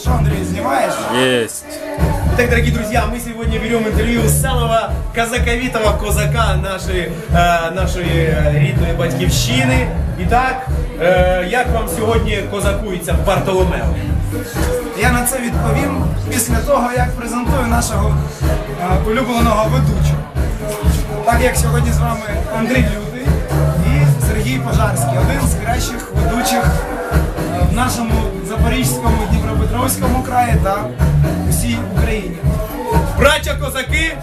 Что, Андрей, снимаешь? Есть. Итак, дорогие друзья, мы сегодня берем интервью с самого казаковитого козака нашої рідної батьківщини. Итак, як вам сьогодні козакується Бартоломео? Я на це відповім після того, як презентую нашого улюбленого ведучого. Так як сьогодні з вами Андрій Лютий і Сергій Пожарський, один з кращих ведучих в нашому Запорізькому, Дніпропетровському краї та усій Україні. Браття козаки!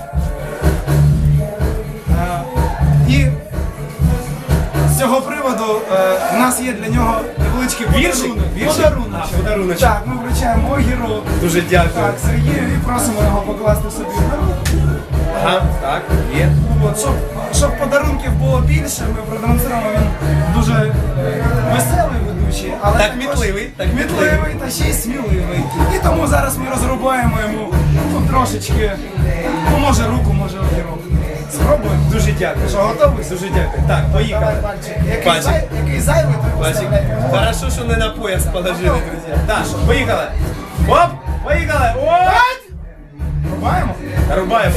І з цього приводу в нас є для нього невеличкий Віршик? Подарунок. Так, ми вручаємо Огіру. Дуже дякую. Так, Сергію і просимо його покласти собі на руку. Ага, так, є. От, щоб подарунків було більше, ми продемонструємо, він дуже веселий ведучий, але Так також мітливий, так мітливий та ще й сміливий. І тому зараз ми розрубаємо йому трошечки, ну може руку, може огірок. Спробуємо? Дуже дякую. Що, готовий? Дуже дякую. Так, поїхали. Давай пальчик. Пальчик. Який зайвий, то Пальчик. поставляй. Хорошо, що не на пояс положили, друзі. Так, поїхали. Оп, поїхали. Оп! Рубаємо? Рубаємо.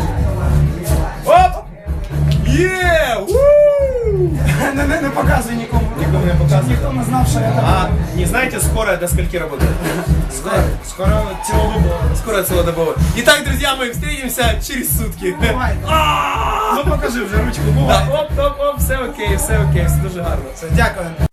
Оп! Є! Уу! Не показуй нікому. Нікому не показуй. Ніхто не знав, що я так. А не знаете, скоро до скольки работает? Скоро цілодобово. Скоро целодобово. Итак, друзья, мы встретимся через сутки. Давай. Ну покажи вже ручку, бувай. Так, оп, все окей, все дуже гарно. Все, дякую.